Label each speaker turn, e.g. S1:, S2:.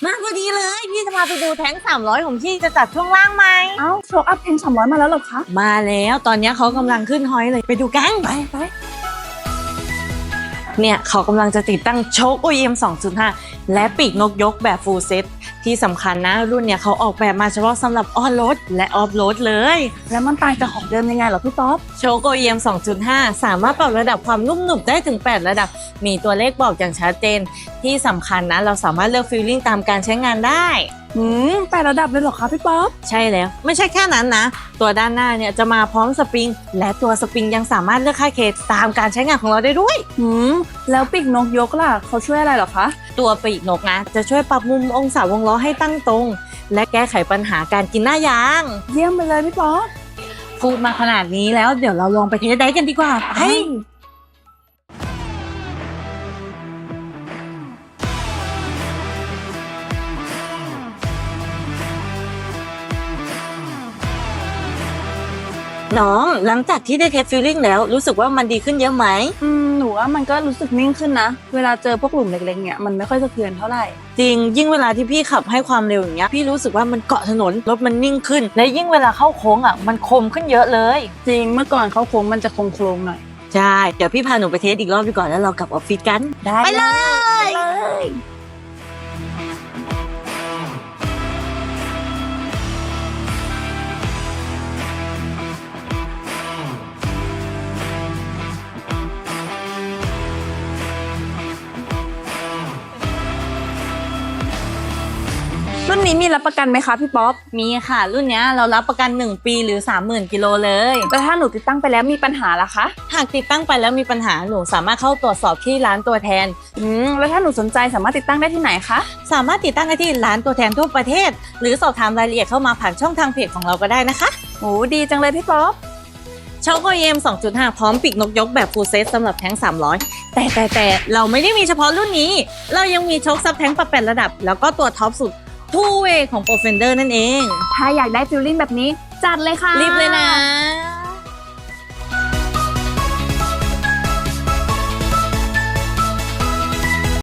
S1: มาพอดีเลยพี่จะพาไปดูแท้ง300ของพี่จะจัดช่วงล่างไหม
S2: เอ้าโชว์อัพแทง300มาแล้วเหรอคะ
S1: มาแล้วตอนนี้เขากำลังขึ้นฮอยเลยไปดูกัน
S2: ไป
S1: เนี่ยเขากำลังจะติดตั้งโชค OEM 2.5 และปีกนกยกแบบ full set ที่สำคัญนะรุ่นเนี่ยเขาออกแบบมาเฉพาะสำหรับออนโรดและออฟโรดเลย
S2: แล้วมันต่างจากของเดิมยังไงเหรอพี่ป๊อป
S1: โชค OEM 2.5 สามารถปรับระดับความนุ่มหนึบได้ถึง 8 ระดับ มีตัวเลขบอกอย่างชัดเจน ที่สำคัญนะเราสามารถเลือกฟีลลิ่งตามการใช้งานได้
S2: 8 ระดับเลยเหรอคะพี่ป๊อป
S1: ใช่แล้วไม่ใช่แค่นั้นนะ ตัวด้านหน้าเนี่ยจะมาพร้อมสปริง และตัวสปริงยังสามารถเลือกค่าเคตามการใช้งานของเราได้ด้วย
S2: แล้วปีกนกยกล่ะเขาช่วยอะไรเหรอคะ
S1: ตัวปีกนกนะจะช่วยปรับมุมองศาวงล้อให้ตั้งตรง และแก้ไขปัญหาการกินหน้ายาง
S2: เยี่ยมไปเลยพี่ป๊อป
S1: พูดมาขนาดนี้แล้วเดี๋ยวเราลองไปเทสได้กันดีกว่าไปน้องหลังจากที่ได้เทสฟีลลิ่งแล้วรู้สึกว่ามันดีขึ้นเยอะไหม
S2: หนูว่ามันก็รู้สึกนิ่งขึ้นนะเวลาเจอพวกหลุมเล็กๆเนี่ยมันไม่ค่อยสะเทือนเท่าไหร่
S1: จริงยิ่งเวลาที่พี่ขับให้ความเร็วอย่างเงี้ยพี่รู้สึกว่ามันเกาะถนนรถมันนิ่งขึ้น และยิ่งเวลาเข้าโค้งอ่ะมันคมขึ้นเยอะเลย
S2: จริงเมื่อก่อนเขาโค้งมันจะโค้งๆหน่อย
S1: ใช่เดี๋ยวพี่พาหนูไปเทสอีกรอบดีกว่าแล้วเรากลับออฟฟิศกัน
S2: ได้
S1: ไปเลย
S2: เลย รุ่นนี้มีรับประกันไหมคะพี่ป๊อป
S1: มีค่ะรุ่นเนี้ยเรารับประกัน1ปีหรือ 30,000 กิโลเลย
S2: แต่ถ้าหนูติดตั้งไปแล้วมีปัญหาล่ะคะ
S1: หากติดตั้งไปแล้วมีปัญหาหนูสามารถเข้าตรวจสอบที่ร้านตัวแทน
S2: แล้วถ้าหนูสนใจสามารถติดตั้งได้ที่ไหนคะ
S1: สามารถติดตั้งได้ที่ร้านตัวแทนทั่วประเทศ หรือสอบถามรายละเอียดเข้ามาผ่านช่องทางเพจของเราก็ได้นะคะ
S2: โอ้ดีจังเลยพี่ป๊อป
S1: โชค OEM 2.5 พร้อมปีกนกยกแบบ full set สำหรับแท้ง300 แต่เราไม่ได้มีเฉพาะรุ่นนี้ เรายังมีโชคซับแท้งปรับ8ระดับ แล้วก็ตัวท็อปสุด two way ของ Profender นั่นเอง
S2: ถ้าอยากได้ฟิลลิ่งแบบนี้จัดเลยค่ะ
S1: รีบเลยนะ